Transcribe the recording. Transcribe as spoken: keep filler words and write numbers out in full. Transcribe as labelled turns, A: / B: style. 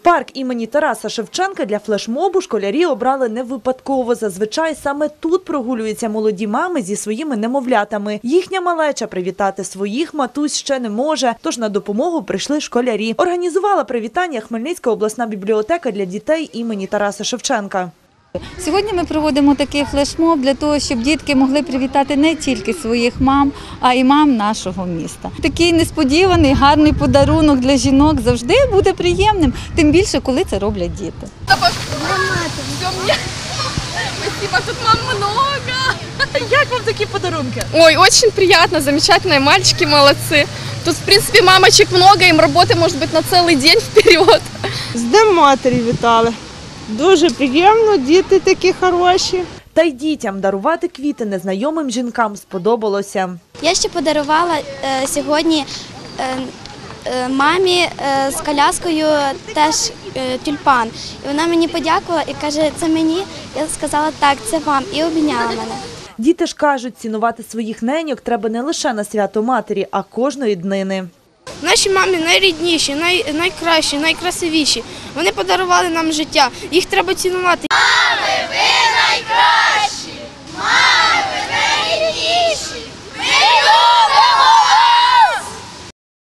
A: Парк імені Тараса Шевченка для флешмобу школярі обрали не випадково. Зазвичай саме тут прогулюються молоді мами зі своїми немовлятами. Їхня малеча привітати своїх матусь ще не може, тож на допомогу прийшли школярі. Організувала привітання Хмельницька обласна бібліотека для дітей імені Тараса Шевченка.
B: Сьогодні ми проводимо такий флешмоб для того, щоб дітки могли привітати не тільки своїх мам, а й мам нашого міста. Такий несподіваний, гарний подарунок для жінок завжди буде приємним, тим більше, коли це роблять діти.
C: Спасибо, тут мам много.
A: Як вам такі подарунки?
C: Ой, очень приятно, замечательно, мальчики молодцы. Тут, в принципе, мамочек много, им работы может быть на целый день вперед.
D: З Днем матері вітали. Дуже приємно, діти такі хороші.
A: Та й дітям дарувати квіти незнайомим жінкам сподобалося.
E: Я ще подарувала е, сьогодні е, е, мамі е, з коляскою теж е, тюльпан. І вона мені подякувала і каже, це мені. Я сказала, так, це вам. І обійняла мене.
A: Діти ж кажуть, цінувати своїх неньок треба не лише на свято матері, а кожної днини.
F: Наші мами найрідніші, най, найкращі, найкрасивіші. Вони подарували нам життя. Їх треба цінувати. Мами, ви